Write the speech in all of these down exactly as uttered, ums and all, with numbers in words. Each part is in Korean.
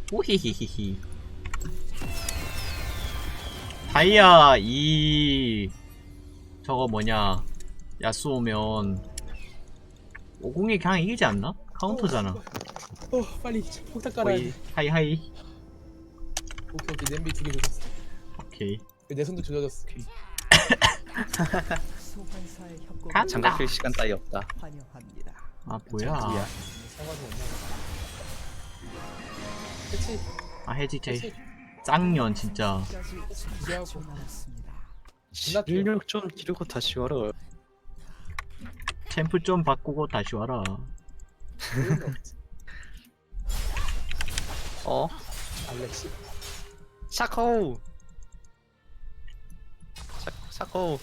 오히히히히. 다이아 이 저거 뭐냐 야쏘면 오공이 그냥 이기지 않나? 카운터잖아. 어 빨리 폭탄 깔아야 돼. 하이 하이. 오케이 오케이 냄비 두 개 조졌어. 오케이. 내 손도 조져졌어. 간다. 장갑 필 시간 따위 없다. 아 뭐야? 상관이 없나 봐. 그치? 아 해지제 짱년 진짜. 기대하고. 실력 좀 기르고 다시 와라. 챔프 좀 바꾸고 다시 와라. 어? 알렉시. 샤코. 샤, 샤코.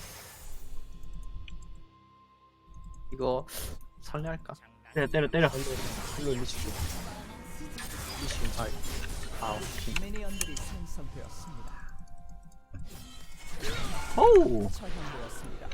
이거 설레할까? 때려 때려 때려. 별로 별로 일리시죠. 일리시. 아, 아 오케이. 미니언들이 생성되었습니다. 호우. 처형되었습니다.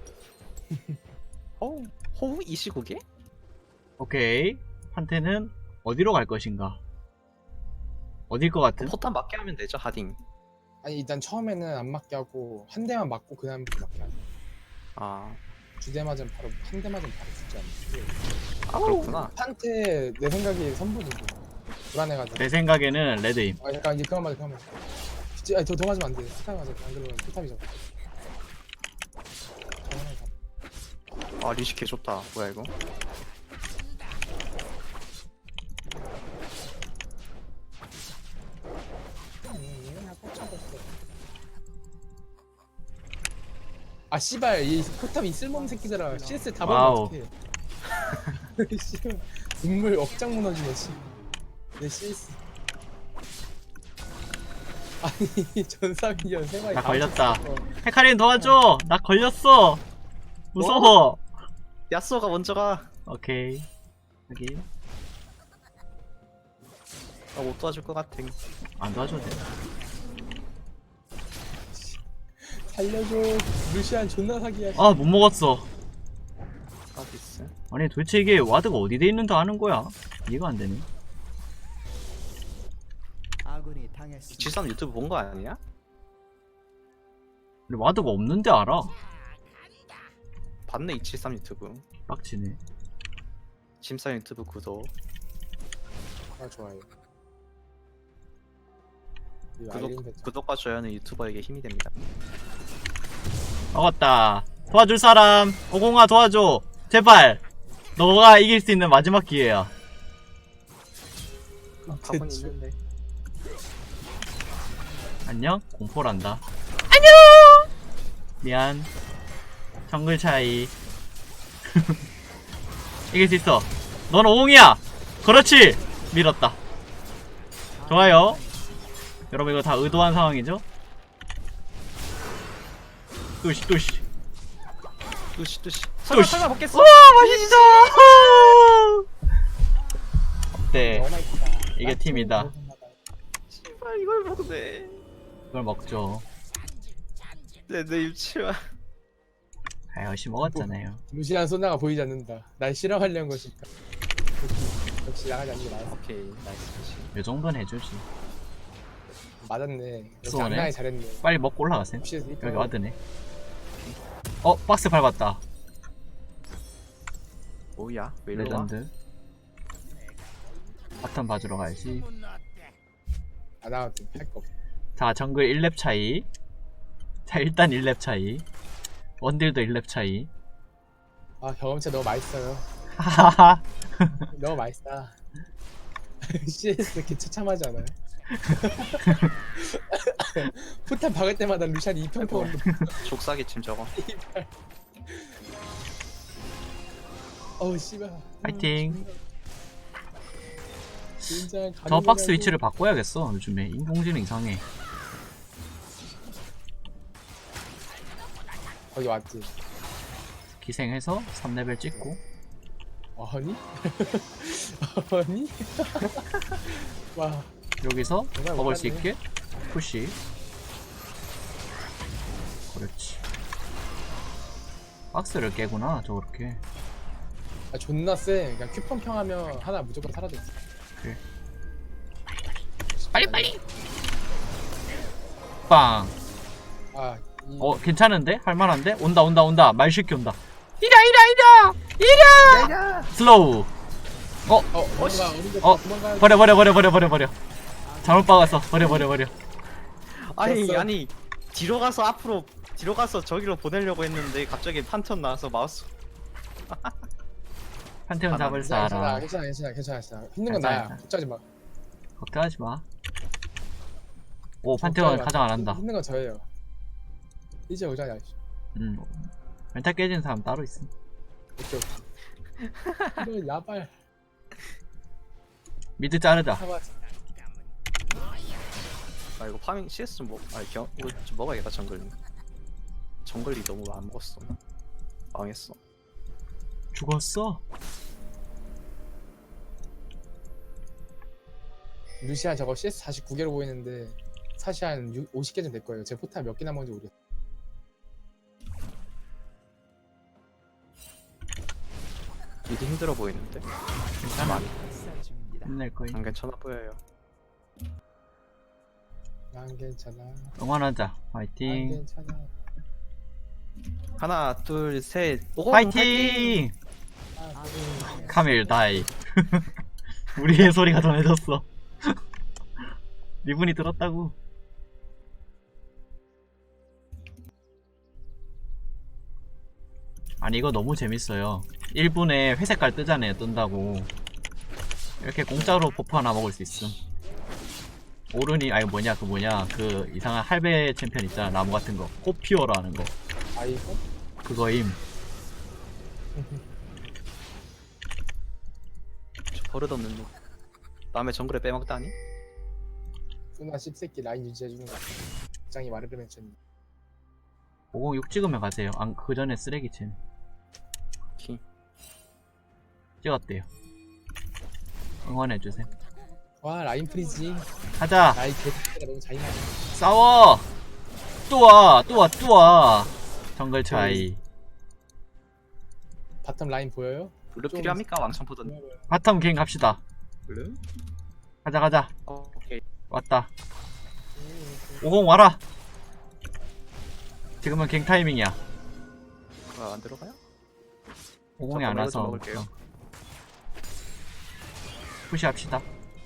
호우 호우 이 시국에? 오케이. 판테는 어디로 갈 것인가? 어딜 것 같은? 포탄 맞게 하면 되죠 하딩. 아니 일단 처음에는 안 맞게 하고 한 대만 맞고 그 다음부터 맞게 하자. 아, 두 대 맞으면 바로 한 대 맞으면 바로 죽지 않나. 아 그렇구나. 판테 내 생각에 선보이고 불안해가지고. 내 생각에는 레드임. 아 잠깐 이제 그만 맞아 그만 맞아. 진짜 아니 더, 더 맞으면 안 돼. 스타일 맞아. 안 그러면 포탑이잖아. 아 리시 개 좋다. 뭐야 이거? 아 씨발 이 포탑 이 쓸모없는 새끼들아. 씨에스 다 와우. 박으면 어떡해. 씨발 눈물 억장 무너지네 씨. 내 씨에스. 아니 전사기전 세 마리 나 다 걸렸다. 맞췄어. 헤카린 도와줘. 나 걸렸어. 무서워. 야쏘가 먼저 가. 오케이. 여기 아, 못 도와줄 것 같아. 안 도와줘도 돼. 살려줘. 루시안 존나 사기야. 아 못 먹었어. 서비스. 아니 도대체 이게 와드가 어디 돼 있는지 아는 거야? 이해가 안 되네. 아군이 당했습니다. 지삼 유튜브 본 거 아니야? 근데 와드가 없는데 알아. 봤네 이칠삼 유튜브. 빡치네. 심사 유튜브 구독. 아 좋아요. 이 구독 알림 설정. 구독과 좋아요는 유튜버에게 힘이 됩니다. 먹었다. 도와줄 사람. 오공아 도와줘. 제발. 너가 이길 수 있는 마지막 기회야. 가고 대충. 있는데. 안녕? 공포란다. 안녕! 미안. 정글 차이. 이길 수 있어. 넌 오공이야! 그렇지! 밀었다. 좋아요. 여러분 이거 다 의도한 상황이죠? 뚜시 뚜시. 뚜시 뚜시. 뚜시. 설마 설마 먹겠어? 우와 맛있어! 어때? 너무 맛있다. 이게 팀이다. 씨발 이걸 먹네. 이걸 먹죠. 내내 유치원. 아 역시 먹었잖아요. 루시안 소나가 보이지 않는다. 날 실험하려는 것일까. 역시, 역시 나가지 않는 게 나았어. 오케이 나이스 뚜시. 요 정도는 해주지. 맞았네. 역시 수고하네. 장난이 잘했네. 빨리 먹고 올라가세요. 혹시 여기 와드네. 어 박스 밟았다. 뭐야? 왜 이리 와? 레전드. 바텀 봐주러 가야지. 안 나와도 할거 없어. 자 정글 일 렙 차이. 자 일단 일 렙 차이. 원딜도 일 렙 차이. 아 경험치 너무 맛있어요. 하하하. 너무 맛있다. 씨에스 이렇게 처참하지 않아요? 포탄 박을 때마다 루시안이 이평평. 족사기 침 저거. 어우 씨발. 파이팅. 진짜 저 박스 위치를 바꿔야겠어. 요즘에 인공지능 이상해. 거기 맞지? 기생해서 삼 레벨 찍고. 아니? 아니? 와 여기서 정말 먹을 수 못하네. 있게 푸시. 그렇지. 박스를 깨구나 저렇게. 아, 존나 쎄. 그냥 큐 펑평하면 하나 무조건 사라져. 그래. 빨리 빨리. 빵. 아, 이... 어 괜찮은데? 할만한데? 온다 온다 온다. 말쉽게 온다. 이라 이라 이라 이라. 야야. 슬로우. 어 어, 어디가 어디가 어, 도망가야 버려 버려 버려 버려 버려 버려. 잘못 박았어. 버려 버려 버려. 아니 됐어. 아니 뒤로 가서 앞으로 뒤로 가서 저기로 보내려고 했는데 갑자기 판턴 나와서 마우스. 판테온 아, 잡을 괜찮아, 사람. 괜찮아, 괜찮아, 괜찮아, 괜찮아. 힘든 건 괜찮아, 나야. 괜찮아. 걱정하지 마. 걱정하지 마. 오 판테온 가장 안 한다. 힘든 건 저예요. 이제 오자냐. 음. 멘탈 깨진 사람 따로 있어. 오케이, 오케이. 이거 야발. 미드 자르자. 사바. 아 이거 파밍 씨에스 좀 먹. 아니 경 이거 좀 먹어야겠다 정글. 정글이 너무 안 먹었어. 망했어. 죽었어. 루시안 저거 씨에스 사십구 개로 보이는데 사실 한 오십 개 정도 될 거예요. 제 포탈 몇 개 남은지 모르겠어. 미드 힘들어 보이는데. 괜찮아. 학살 중입니다. 힘낼 거임. 안 괜찮아 보여요. 난 괜찮아. 응원하자. 난 화이팅. 괜찮아. 하나 둘 셋. 오공, 화이팅. 아, 카밀 다이. 우리의 소리가 전해졌어. 리분이 들었다고. 아니 이거 너무 재밌어요. 일 분에 회색깔 뜨잖아요. 뜬다고. 이렇게 공짜로 버프 하나 먹을 수 있음. 오른이 아니 뭐냐 그 뭐냐 그 이상한 할배 챔피언 있잖아. 나무 같은 거. 꽃피오라 하는 거. 아이고. 그거임. 저 버릇없는 놈. 남의 정글에 빼먹다니? 누나 씹새끼 라인 유지해주는 거. 장이 말을 맺혔네. 오공육 찍으면 가세요. 안, 그 전에 쓰레기챔. 키. 찍었대요. 응원해주세요. 와 라인 프리지. 가자! 라인 개새끼가 너무 잔인하네. 싸워! 또 와! 또 와! 또 와! 정글 차이. 바텀 라인 보여요? 블루 좀- 필요합니까? 왕창 보던. 바텀 갱 갑시다. 블루? 가자 가자. 어, 오케이. 왔다. 오공 와라! 지금은 갱 타이밍이야. 아, 안 들어가요? 오공이 잠깐만, 안 이거 와서. 좀 먹을게요. 어. 푸시합시다.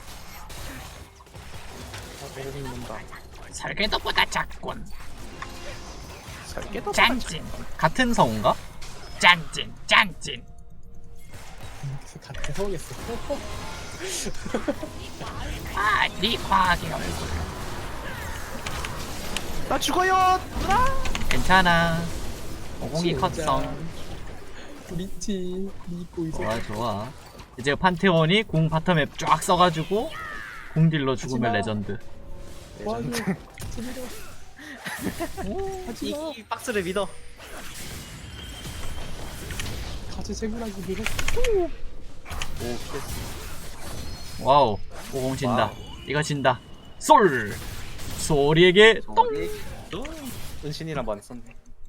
아, 배를 입는다. 설계도보다 작군. 살게도 짠찐. 같은 성우인가? 짠찐 짠찐. 같은 서우겠어. 아, 네 과학의 얼굴. 나 죽어요! 누나! 괜찮아. 오공이 진짜. 컷성. 리티 믿고 있어. 좋아 좋아. 이제 판테온이 공 바텀에 쫙 써가지고 공딜로 죽으면 하지마. 레전드. 와줘. 재밌어. 이, 하지마. 이 박스를 믿어. 같이 생물하기 믿어. 오, 피했어. 와우. 오공 진다. 와우. 이거 진다. 솔. 소리에게 똥. 또 은신이랑 많이 썼네.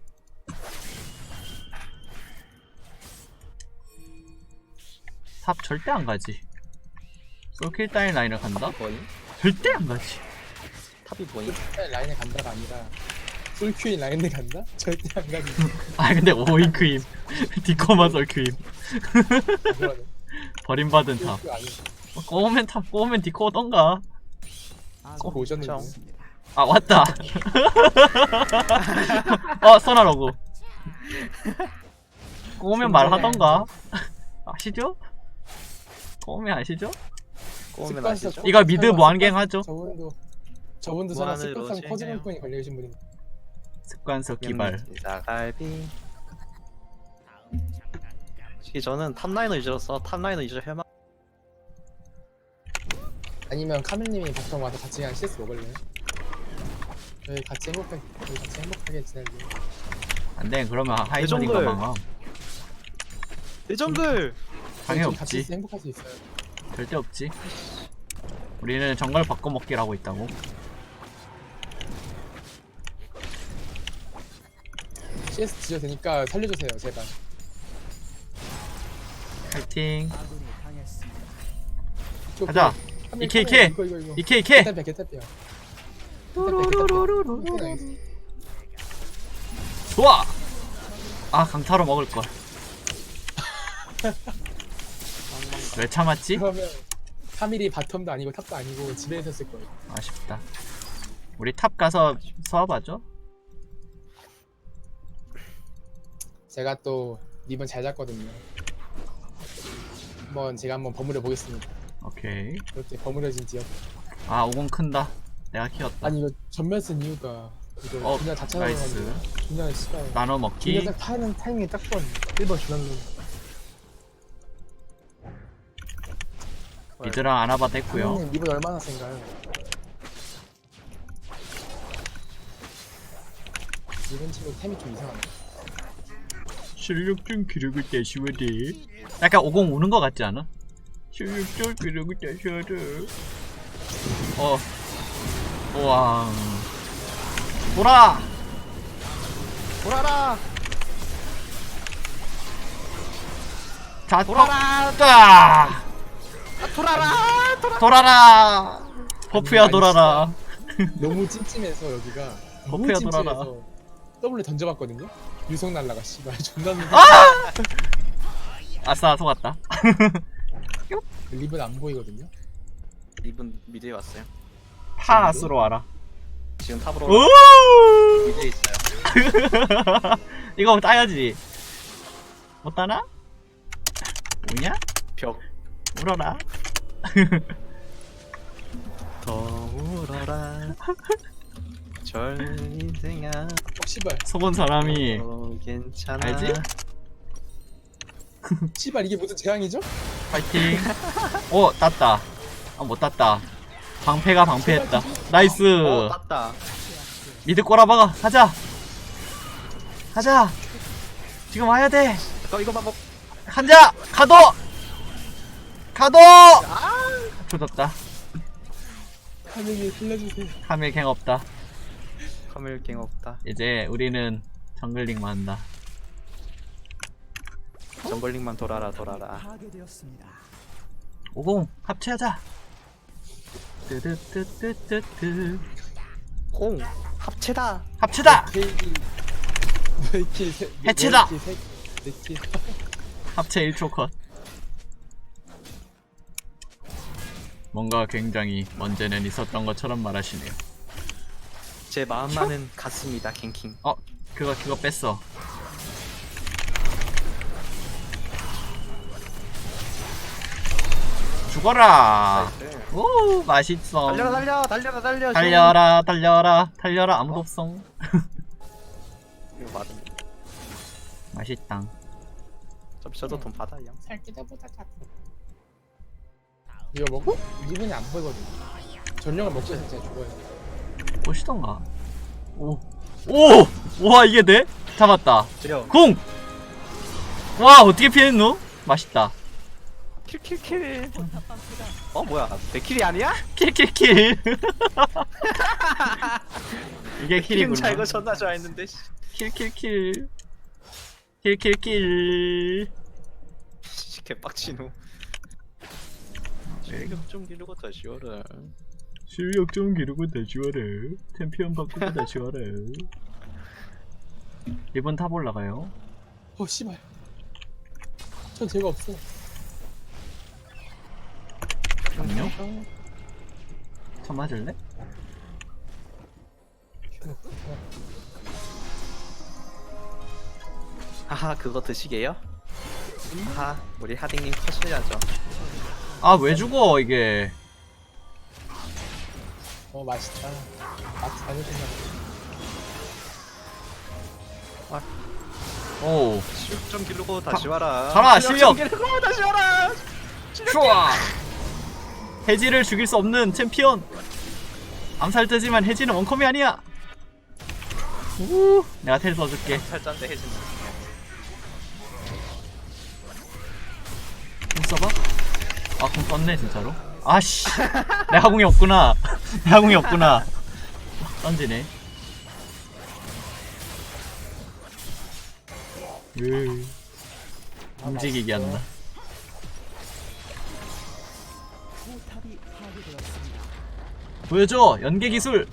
탑 절대 안 가지. 솔킬 따윈 라인을 간다? 뭐니? 절대 안 가지. 탑이 뭐니? 라인에 간다가 아니라 솔큐인 라인에 간다? 절대 안 가지. 아 근데 오잉크임. 디코마 솔큐임. 그거는 버림받은 탑. 솔큐 아니. 꼬우면 탑, 꼬우면 디코 오던가. 꼭 오셨는데. 정. 아 왔다. 어 선하라고. 꼬우면 말하던가. 아시죠? 꼬우면 아시죠? 꼬우면 습관성 아시죠? 꼭- 이거 미드 설마 무한갱 습관- 하죠? 저분도 저분도 설마 무한으로 습관성 진행해요. 퍼즐문뿐이 걸려 계신 분이. 습관석 기발. 사갈비. 솔직히 저는 탑라이너 유저로서 탑라이너 유저 혈망. 아니면 카멜님이 바텀 와서 같이 그냥 씨에스 먹을래요? 저희 같이 행복하게 저희 같이 행복하게 지낼래요. 안돼 그러면 하이머니가 대정글. 망함. 대정글! 당연히 저희 같이 없지. 있어 행복할 수 있어요. 절대 없지. 우리는 정글 바꿔먹기를 하고 있다고. 씨에스 지어도 되니까 살려주세요 제발. 파이팅. 아군이 당했습니다. 저 가자. 카멜, 이케, 카멜, 이케. 이거 이거 이거. 이케 이케. 개탑이야 개탑이야. 좋아. 아 강타로 먹을 걸. 왜 참았지? 그러면 삼 일이 바텀도 아니고 탑도 아니고 집에 있었을 거예요. 아쉽다. 우리 탑 가서 서봐죠. 제가 또 리본 잘 잡거든요. 한번 제가 한번 버무려 보겠습니다. 오케이. 이렇게 버무려진 지역. 아 오공 큰다. 내가 키웠다. 아니 이거 전멸 쓴 이유가 이거 어, 그냥 다 나이스. 찾아가지고 그냥 씨발 나눠 먹기. 그냥 딱 타는 타이밍이 딱 좋았네. 일 번 주난로. 미드랑 아나바 됐고요. 형님 리본 얼마나 센가요? 이번 친구 템이 좀 이상하네. 실력 좀 기르고 다시워야 돼. 약간 오공 우는 거 같지 않아? 실력 좀 기르고 다시워야 돼. 어. 우와. 돌아! 돌아라. 자, 돌아라. 딱! 돌아라. 돌아. 돌아라! 버프야 아니, 돌아라. 너무 찜찜해서 여기가 너무 버프야 돌아라. 찜찜해서 W 던져봤거든요? 유성 날라가 씨발 존나 눈 아싸 속았다. 리본 안 보이거든요? 리븐 미드에 왔어요. 파스로 와라. 지금 탑으로 오! 미드에 있어요. 이거 따야지. 못 따나? 뭐냐? 벽. 울어라. 더 울어라. 절인생아. 어 씨발 속은 사람이 어, 괜찮아. 알지? 씨발 이게 무슨 재앙이죠? 파이팅. 오 땄다. 아 못 땄다. 방패가 방패했다. 나이스. 어 땄다. 미드 꼬라박아. 가자. 가자. 지금 와야 돼. 너 이거 봐. 뭐. 간자. 가도. 가도. 조졌다. 하늘이 살려주세요. 카밀 갱 없다. 카멜갱 없다. 이제 우리는 정글링만 한다. 정글링만 돌아라 돌아라. 파괴되었습니다. 오공 합체하자. 뜨뜨뜨뜨뜨뜨. 공 합체다. 합체다. 케이크 너희킬 해체다. 네킬 합체 일 초 컷. 뭔가 굉장히 언제는 있었던 것처럼 말하시네요. 제 마음만은 같습니다. 갱킹. 어 그거 그거 뺐어. 죽어라. 나이스. 오 맛있어. 달려라 달려 달려라 달려. 달려라 달려라 달려라 아무도 없어. 이거 맞아. 맛있당. 좀 저도 돈 받아요. 살기다보다 작고 이거 먹고? 리본이 안 보이거든. 전령을 먹고 있으면 진짜 죽어요. 보시던가. 오. 오! 와 이게 돼? 잡았다. 지려. 궁! 와 어떻게 피했노? 맛있다. 킬킬킬. 어 뭐야? 내 킬이 아니야? 킬킬킬. 이게 킬이구나. 킬자 이거 존나 좋아했는데. 킬킬킬. 킬킬킬. 개빡치노. 실력 좀 기르고 다시 와라. 실력 좀 기르고 다시 와라. 챔피언 바꾸고 다시 와라. 이번 탑 올라가요. 어 씨발 전 죄가 없어. 안녕? 참 맞을래? 하하 그거 드시게요? 하하 우리 하딩님 컷이야죠. 아 왜 죽어 이게. 어 맛있다. 맛 잘해준다. 오. 실력 좀 기르고 다시 와라. 가라, 좀 기르고 다시 와라. 좋아. 해지를 죽일 수 없는 챔피언. 암살자지만 해지는 원컴이 아니야. 우. 내가 텔 써줄게. 살짠데 해진다. 공 써봐. 아, 공 썼네 진짜로. 아씨. 내 하궁이 없구나. 내 하궁이 없구나. 던지네. 으. 움직이게 한다. 포탑이 파괴되었습니다. 보여줘 연계 기술.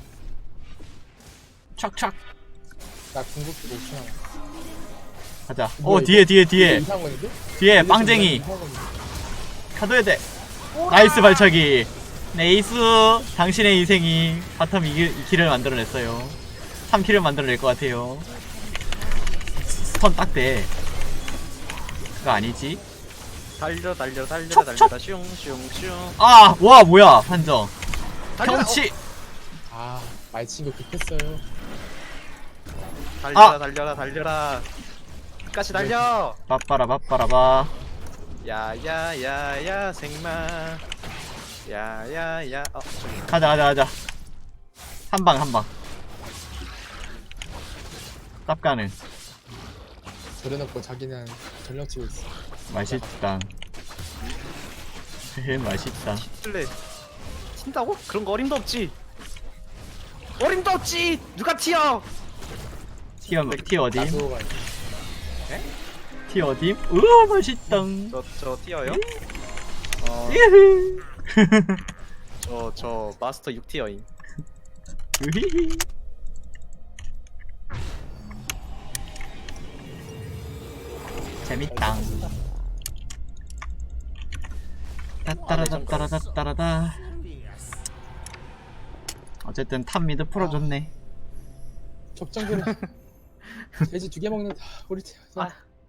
촥촥 나 궁극기도 오 초 남았어. 가자. 어 뭐야, 뒤에 뒤에 이거 뒤에 이상한 건데? 뒤에 이거 빵쟁이 이상한 건데? 카드야 돼. 나이스 발차기. 네이스. 당신의 인생이 바텀 이 킬을 만들어냈어요. 삼 킬을 만들어낼 것 같아요. 스턴 딱 돼. 그거 아니지? 달려 달려 달려 촉, 달려라 슝슝슝. 아, 와 뭐야 판정. 달려라. 경치. 아, 말친 거 급했어요. 달려라 아. 달려라 달려라. 끝까지 달려. 빠빠라 빠빠라바. 야야야야 생마. 야야야. 어 저기. 가자 가자 가자. 한 방 한 방. 쌉 가는. 저래놓고 자기는 전력 치고 있어. 맛있다. 헤헤 맛있다. 쓸래. 튄다고? 그런 거 어림도 없지. 어림도 없지. 누가 튀어? 티, 어, 티 어디? 나도 가. 티 어디? 우와 맛있다. 저 저 튀어요? 어, 으흐. 저 저 마스터 육 티어임. 으히히. 재밌다. 따따라따따라따따라다. 어쨌든 탑 미드 풀어줬네. 적정들은 돼지 두 개 먹는다. 우리 팀. 아.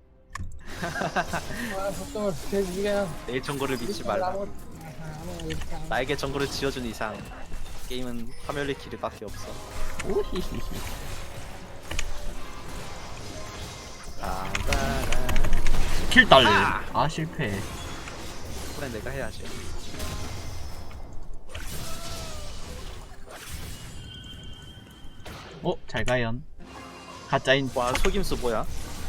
아, 적정을 돼지 두 개야. 내 정보를 믿지 말라. 나에게 정보를 지어준 이상 게임은 파멸리 키르밖에 없어. 오히히히. 따따라. 킬 딸. 아! 아 실패. 그래 내가 해야지. 어 잘가연. 가짜인. 와 속임수 뭐야?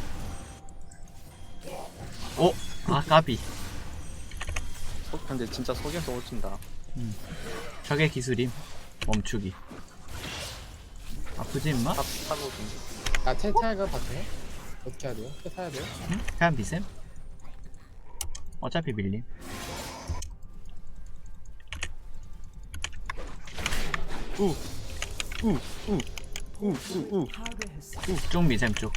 어? 아 까비. 속 근데 진짜 속임수 오진다. 적의 기술임. 멈추기. 아프지 임마? 탑 타고 좀. 나 텔타이가 봤어요? 어떻게 해야 돼요? 텔 타야 돼요? 응? 그냥 비셈? 어차피 밀림. 우우우우우우 파괴했습니다. 쭉 미셈 쭉.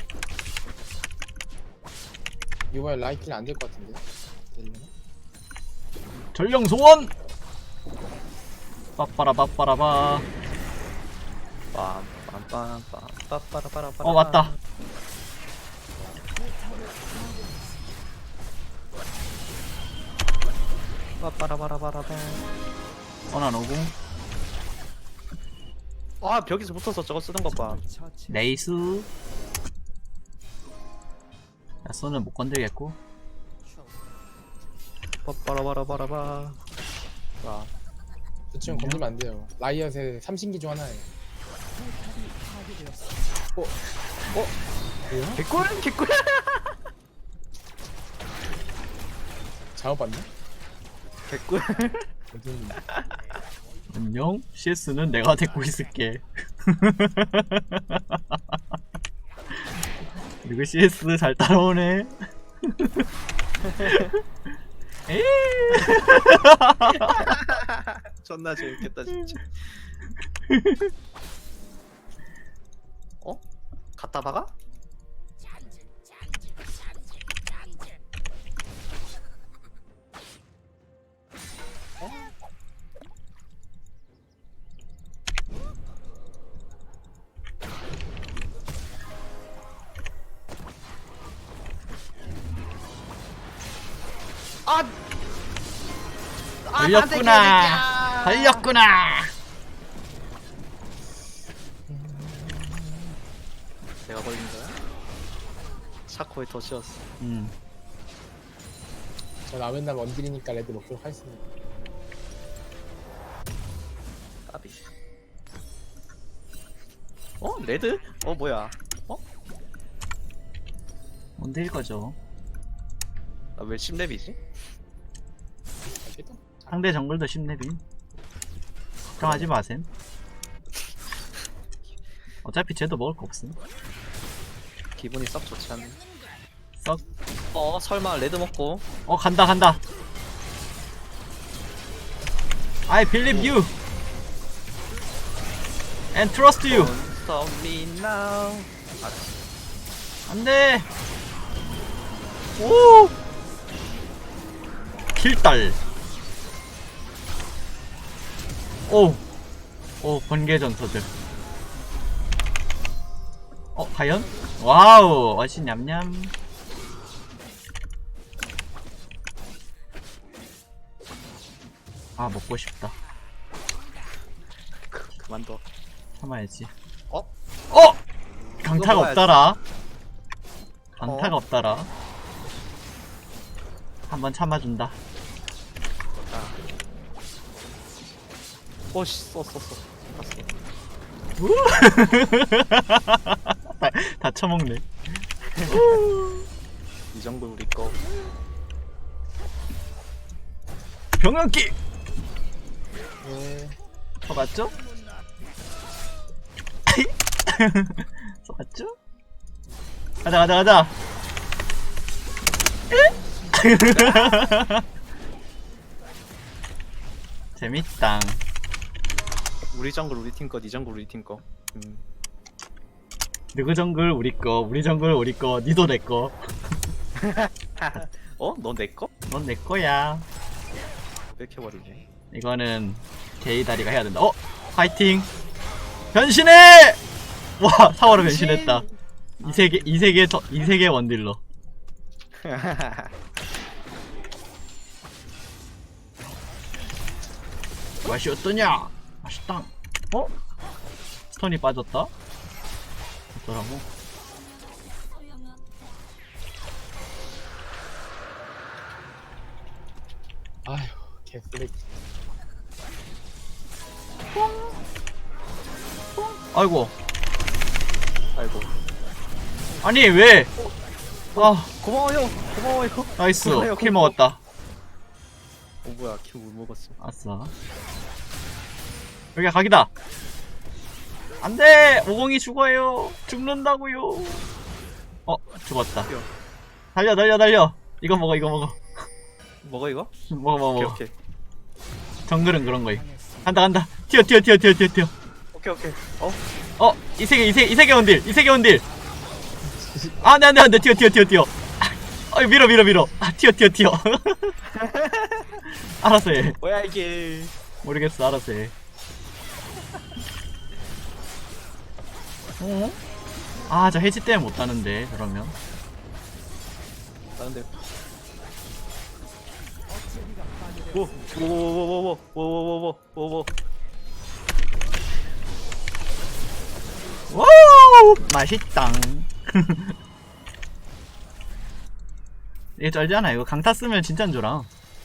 이번에 라이킬 안 될 것 같은데. 되려나? 전령 소원! 빠빠라 빠빠라바. 빰빰빰빰 빠빠라빠라빠라. 어 맞다. 빠빠라바라바라바. 어난 오고. 아 벽에서 붙어서 저거 쓰는 것 봐. 처치. 레이스. 야쏘는 못 건들겠고. 빠빠라바라바라바. 와. 저 친구 건들면 안 돼요. 라이엇의 삼신기 중 하나예요. 파괴되었습니다. 어? 어? 뭐야? 개꿀 개꿀. 잘못 봤네? 개꿀. 어떤 안녕. 씨에스는 내가 데리고 있을게. 그리고 씨에스 잘 따라오네. 에이. 존나 재밌겠다 진짜. 어? 갖다 박아? 아! 아, 걸렸구나. 걸렸구나. 내가 걸린 거야? 샤코에 더 씌웠어. 음. 저 남은 날 원딜이니까 레드 먹도록 하겠습니다. 까비. 어? 레드? 어 뭐야? 어? 뭔데 이거죠? 나 왜 십 렙이지? 알겠다. 상대 정글도 십 렙임. 걱정하지 마셈. 어차피 쟤도 먹을 거 없음. 기분이 썩 좋지 않네. 썩. 어 설마 레드 먹고 어 간다 간다. I believe you. And trust you. Don't stop me now. 아, 안돼. 오. 킬딸. 오. 오 번개 전서들. 어 과연? 와우 어시 냠냠. 아 먹고 싶다. 그, 그만둬. 참아야지. 어? 어! 강타가 먹어야지. 없더라. 강타가 어? 없더라. 한번 참아준다. 자. 오씨 써 써 써. 다, 다 처먹네. 이 정도 우리 거. 병영기! 네. 써봤죠? 써봤죠? 가자 가자 가자. 재밌당. 우리 정글 우리 팀 거, 니 정글 우리 팀 거. 음. 누구 정글 우리 거, 우리 정글 우리 거, 니도 내 거. 어? 너 내 거? 넌 내 거야. 뺏겨버리네. 이거는 게이 다리가 해야 된다. 어? 파이팅! 변신해! 와, 사워로 변신했다. 이 세계, 이 세계, 더, 이 세계 원딜러. 맛이 어떠냐? 맛있다. 어? 스톤이 빠졌다? 어쩌라고? 아휴 개쓰레기. 아이고. 아이고. 아니, 왜? 아, 고마워요. 고마워요. 나이스. 고마워요, 킬 고마워. 먹었다. 어 뭐야 킬못 먹었어. 아싸. 여기가 각이다. 안돼! 오공이 죽어요. 죽는다고요. 어, 죽었다. 뛰어. 달려, 달려, 달려. 이거 먹어, 이거 먹어. 먹어 이거? 먹어, 먹어, 오케이 먹어. 오케이. 정글은 그런 거임. 간다, 간다. 튀어, 튀어, 튀어, 튀어, 튀어, 튀어. 오케이 오케이. 어? 어, 이 세계, 이 세계, 이 세계 원딜, 이 세계 원딜. 아, 네, 안 돼, 안 돼, 튀어, 튀어, 튀어, 튀어. 아, 밀어, 밀어, 밀어. 아, 튀어, 튀어, 튀어. 알았어, 해. 뭐야 이게? 모르겠어, 알았어, 해. 어? 아, 저 해지 때문에 못 따는데, 그러면. 나 근데. 오, 오오오오오오오오오오오오. 와우! 맛있당. 이게 쩔잖아. 이거 강타 쓰면 진짜 안 줘라.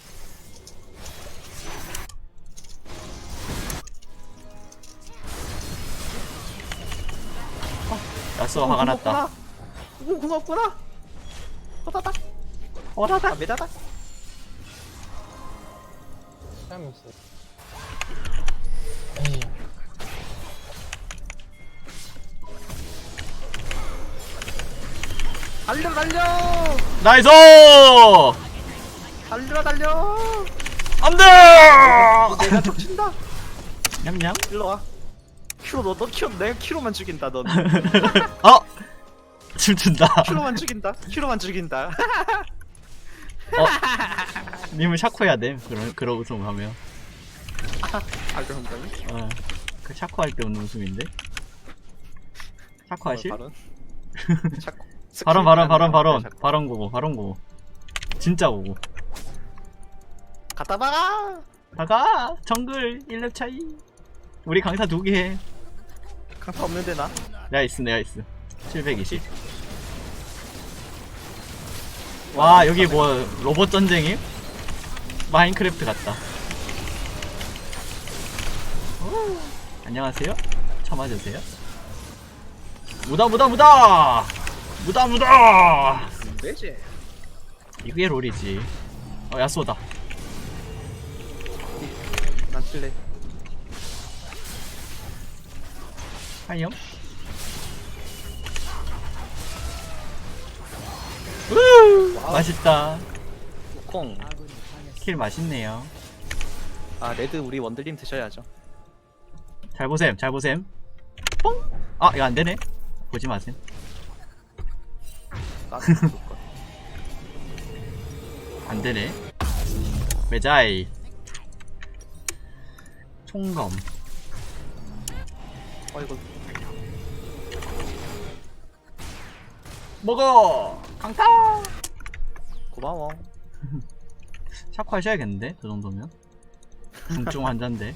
야쏘 화가 났다. 오, 고맙구나. 호다닥. 아, 오라다. 메다닥. 사람이 없어. 에이. 달려 달려. 나이스! 달려 달려. 안돼! 내가 족친다. 냠냠. 일로 와. 키로 너너 키로 내가 키로만 죽인다 넌. 어! 춤춘다. 키로만 죽인다. 키로만 죽인다. 어? 님은 샤코 해야 돼. 그런, 그런 웃음 하면. 아 그런가? 어. 그 샤코 할 때 웃는 웃음인데? 샤코 하실? 발언. 자꾸 발언, 발언, 발언, 발언. 자꾸. 발언 고고, 발언 고고. 진짜 고고. 갖다 박아. 가가! 정글 일 렙 차이. 우리 강타 두 개 해. 강타 없는데 나? 내가 있어, 내가 있어. 칠백이십. 와, 여기 뭐, 로봇 전쟁임? 마인크래프트 같다. 오, 안녕하세요? 참아주세요. 무다, 무다, 무다! 무다, 무다! 왜지? 이게 롤이지. 어, 야쏘다. 난 칠래. 하이엄? 우! 와우. 맛있다. 콩. 아군이 당했습니다. 킬 맛있네요. 아 레드 우리 원들님 드셔야죠. 잘 보셈, 잘 보셈. 뽕! 아 이거 안되네. 보지 마세요. 까지 죽을 거야. 안되네. 매자이 총검. 어 이거 먹어! 강타! 고마워. 샤코 하셔야겠는데? 그 정도면? 중증 환자인데.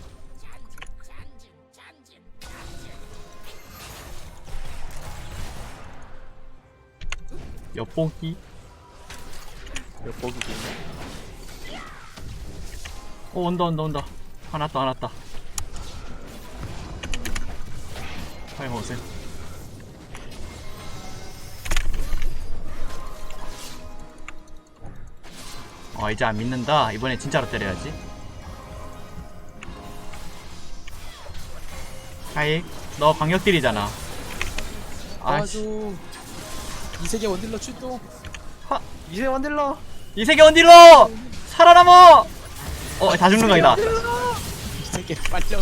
엿보기? 이거 보기 있네. 오 온다 온다 온다. 화났다 화났다. 빨리 먹으세요. 어 이제 안 믿는다. 이번에 진짜로 때려야지. 하이 너 광역딜이잖아. 아씨 도와줘. 이 세계 원딜러 출동. 이세 원딜러. 이 세계 원딜러 살아남어. 어 다 죽는 거이다. 이 세계 빨려.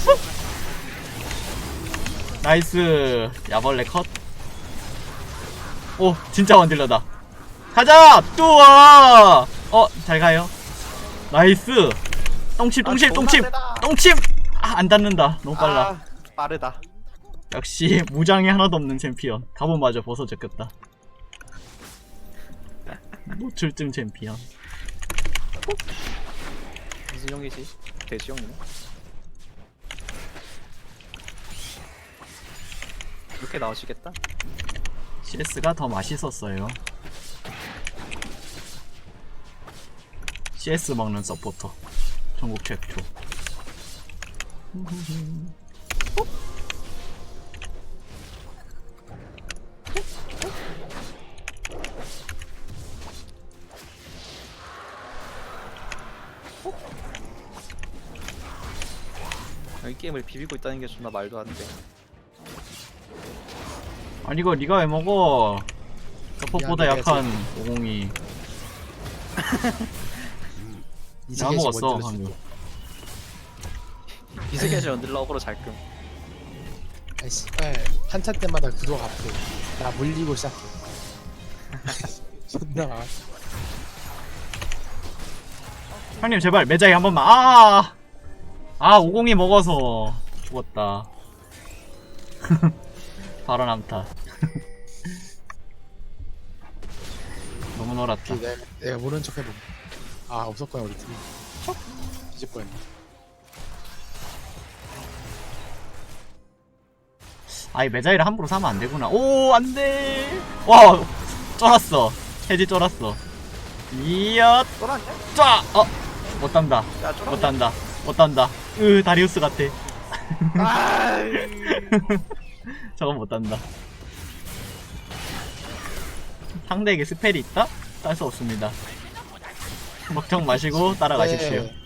나이스 야벌레 컷. 오 진짜 원딜러다. 가자 뚜아. 어 잘가요. 나이스 똥침 똥침 아, 똥침 존나 세다. 똥침. 아, 안 닿는다. 너무 빨라. 아, 빠르다. 역시 무장이 하나도 없는 챔피언. 갑옷마저 벗어졌겠다. 노출증 챔피언. 무슨 형이지? 돼지 형이네. 이렇게 나오시겠다? 씨에스가 더 맛있었어요. 씨에스 먹는 서포터 전국 최초. 이 게임을 비비고 있다는 게 존나 말도 안 돼. 아니 이거 니가 왜 먹어? 서폿보다 미안해, 약한 오공이. 이 내가 세계 먹었어 원딜러 방금. 출동. 이 세계에서 원딜러 어그로 잘 끔. 아 씨발 한차 때마다 구독 앞에 나 물리고 시작해. 존나. 형님 제발 매자이 한 번만. 아, 아 오공이 먹어서 죽었다. 바로 남타. 너무 놀았다. 내가, 내가 모른 척 해봄. 아 없었구나 우리 팀. 뒤질 뻔했네. 아이 매자이를 함부로 사면 안 되구나. 오 안돼. 와 쫄았어. 해지 쫄았어. 이엇 쫄았냐? 쫙. 어. 못 단다. 야 못 쫄았냐? 단다. 못 단다. 으 다리우스 같아. 아이. 저건 못 단다. 상대에게 스펠이 있다? 딸 수 없습니다. 걱정 마시고 따라가십시오. 네.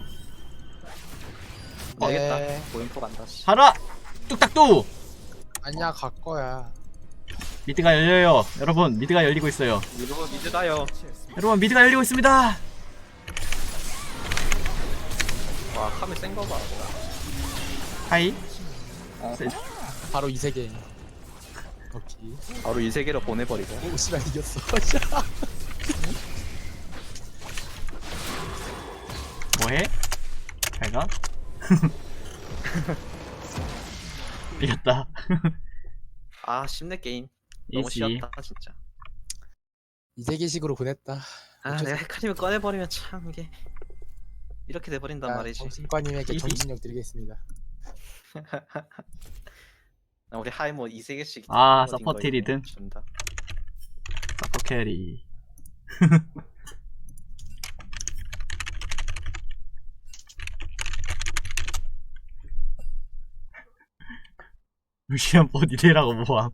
망했다. 네. 고인포 간다. 씨. 가라! 뚝딱뚜! 아니야 갈 거야. 미드가 열려요. 여러분 미드가 열리고 있어요. 여러분 미드 가요. 여러분 미드가 열리고 있습니다. 와 카메 센거 봐. 하이. 어. 세- 바로 이 세계. 오케이. 바로 이 세계로 보내버리고. 오 씨발 이겼어. 뭐해? 잘가? 이겼다. 아 쉽네 게임. 너무 이지. 쉬웠다 진짜. 이 세계식으로 보냈다. 아 내가 헤카림을 꺼내버리면 참 이게 이렇게 돼버린단 말이지. 정신과님에게 이지. 정신력 드리겠습니다. 나 우리 하이모 이 세계씩 아, 어딘 서포트 거에 리듬. 준다. 서포 캐리. 루시안 보디데라고 뭐함.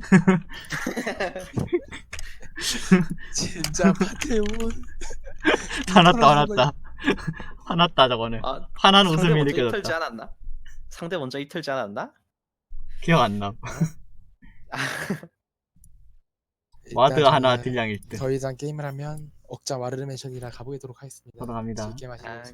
진짜 파테온. 화났다 화났다. 화났다 저거는. 아 화난 상대 웃음이 먼저 이틀지 느껴졌다. 않았나? 상대 먼저 이틀지 않았나? 기억 안 남. 와드 하나 딜량 일 등. 더 이상 게임을 하면 억자 와르르 맨션이라 가보도록 하겠습니다. 돌아갑니다. 즐게 마시고 아